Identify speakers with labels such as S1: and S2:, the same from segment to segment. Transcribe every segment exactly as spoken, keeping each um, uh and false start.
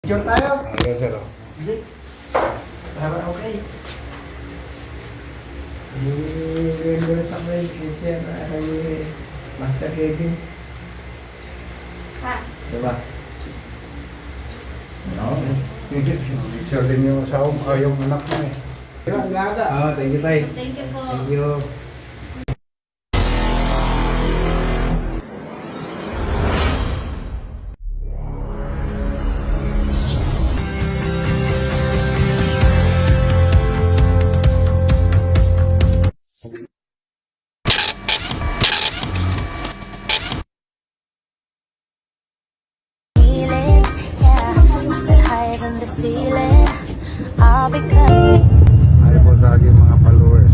S1: Picture tayo.
S2: Okay, sir.
S1: Hindi. Para okay. I-render sa akin kay Sir, kay Master Kevin.
S3: Ha?
S1: Diba? No.
S2: Picture din yung asawa mo, yung anak mo eh.
S1: Diba, laga.
S2: Ah, thank you, tay.
S3: Thank you po.
S2: Thank you.
S4: Feeling, yeah, I feel higher than the ceiling. All because
S2: Ay po sa aking mga followers.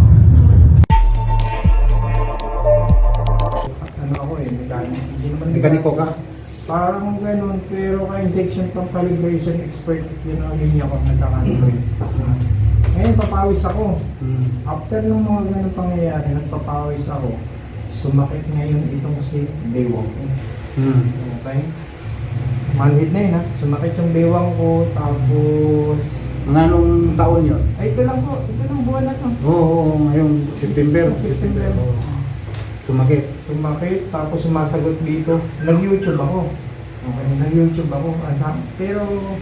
S1: Ano ako eh, mekaniko. Hindi naman
S2: Mekaniko ka?
S1: Parang ganun, pero ka-injection pang calibration expert yun ang linya ko nagkakalibrate. Ngayon, papawis ako.
S2: Hmm.
S1: After nung mga ganun pangyayari, nagpapawis ako. Sumakit ngayon itong si bewang ko.
S2: Hmm.
S1: Okay? Manhid na yun ha. Sumakit yung bewang ko, tapos...
S2: Mga anong taon yun?
S1: Ay, ito lang po. Ito lang buwan na to.
S2: Oo, oo, ngayong September.
S1: September.
S2: Sumakit.
S1: Sumakit, tapos sumasagot dito. Nag-YouTube ako. Okay, nag-YouTube ako. Asa- Pero,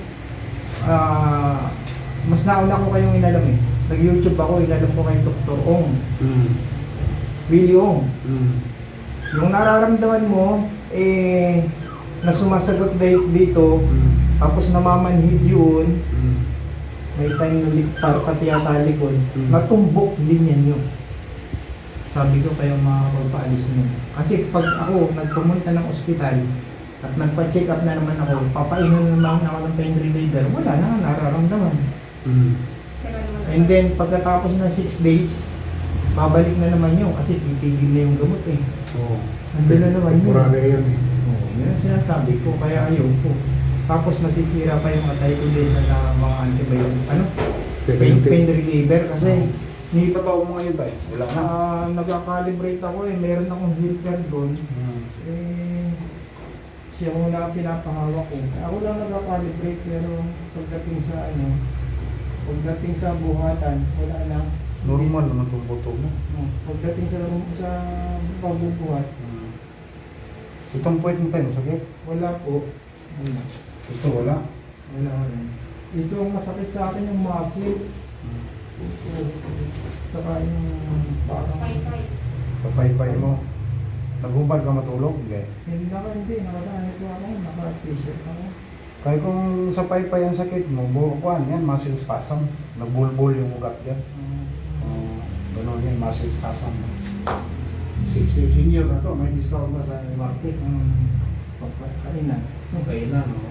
S1: ah, mas nauna ko kayong inalam eh. Nag-YouTube ako, inalam ko kay Doktor Ong.
S2: Hmm.
S1: Willie Ong.
S2: Hmm.
S1: Yung nararamdaman mo, eh, na sumasagot di- dito,
S2: Hmm.
S1: tapos namamanhid yun,
S2: Hmm.
S1: may time na liktar, pati yata likod,
S2: Hmm.
S1: natumbok din yan yun. Sabi ko kayo makakapagpaalis nyo. Kasi pag ako nagpumunta ng ospital at nagpa-check up na naman ako, papainom naman ako ng pain reliever, wala na, nararamdaman.
S2: Hmm.
S1: And then pagkatapos ng six days, babalik na naman yun kasi titigil na yung gamot eh.
S2: Oo.
S1: Nandun na naman yun.
S2: Temporary yan eh.
S1: Oo, yun ang sinasabi ko, kaya ayaw ko. Tapos masisira pa yung atay ko din sa mga antibiotic, ano? Pain, pain reliever kasi ni
S2: Trabaho mo ngayon tayo? Wala na.
S1: Ah, nagka-calibrate ako eh, meron akong healthcare doon.
S2: Hmm.
S1: Eh, siya muna ang pinapahawak ko. Ako lang nagka-calibrate pero pagdating sa ano, pagdating sa buhatan, wala na.
S2: Normal naman itong buto mo.
S1: No, pagdating sa sa pagbubuhat,
S2: Hmm. Itong puwet mo tayo, masakit?
S1: wala po. Wala.
S2: Ito wala.
S1: Wala wala. Ito ang masakit sa akin yung muscle.
S2: Hmm.
S1: Ito, saka yung parang...
S3: Pay-pay.
S2: Papaypay mo. Naghubad ka matulog? Hindi.
S1: Hindi na hindi, nakadaan ito ako, naka-t-shirt ako.
S2: Kaya kung sa paypay ang sakit mo, bukuan yan, muscle spasm. Nagbulbul yung ugat yan.
S1: Um,
S2: Uh, Ganun yan, muscle spasm. sixty senior na to, may discount na sa market.
S1: um, pagkakainan.
S2: Okay na, no?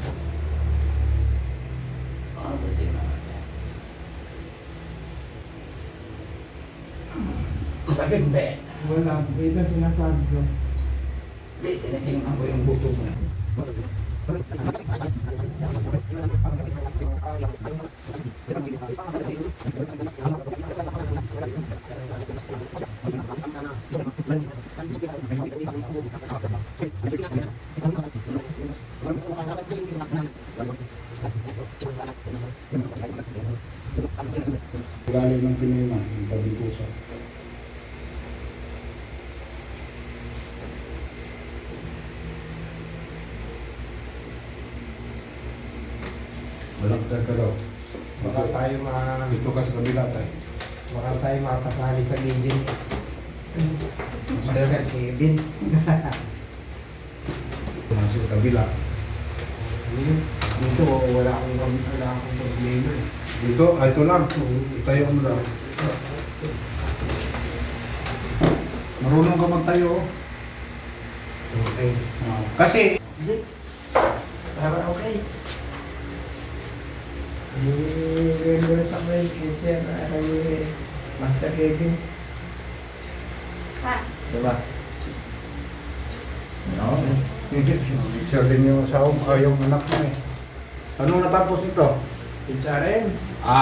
S2: Ah, pwede na natin. Masakit, hindi.
S1: Wala, ito sinasabi ko.
S2: Hindi, tinitingnan ko yung buto mo. Galing ng pinima, yung pagdipuso. Balagtad ka daw.
S1: Baka tayo ma...
S2: Dito ka sa kabila tayo.
S1: Baka tayo makasali sa legend. Master Kevin.
S2: Nasa sa kabila.
S1: Dito, wala akong, wala akong problema.
S2: Dito, ah, ito lang. Tayo mo lang. Marunong ka magtayo.
S1: Okay.
S2: Ah, kasi,
S1: Hindi. Para okay. I-render sa akin kay Sir, kay Master Kevin.
S3: Ha?
S1: Diba? No.
S2: picture din yung asawa mo, ah, yung anak mo eh. Anong natapos ito?
S1: H R M.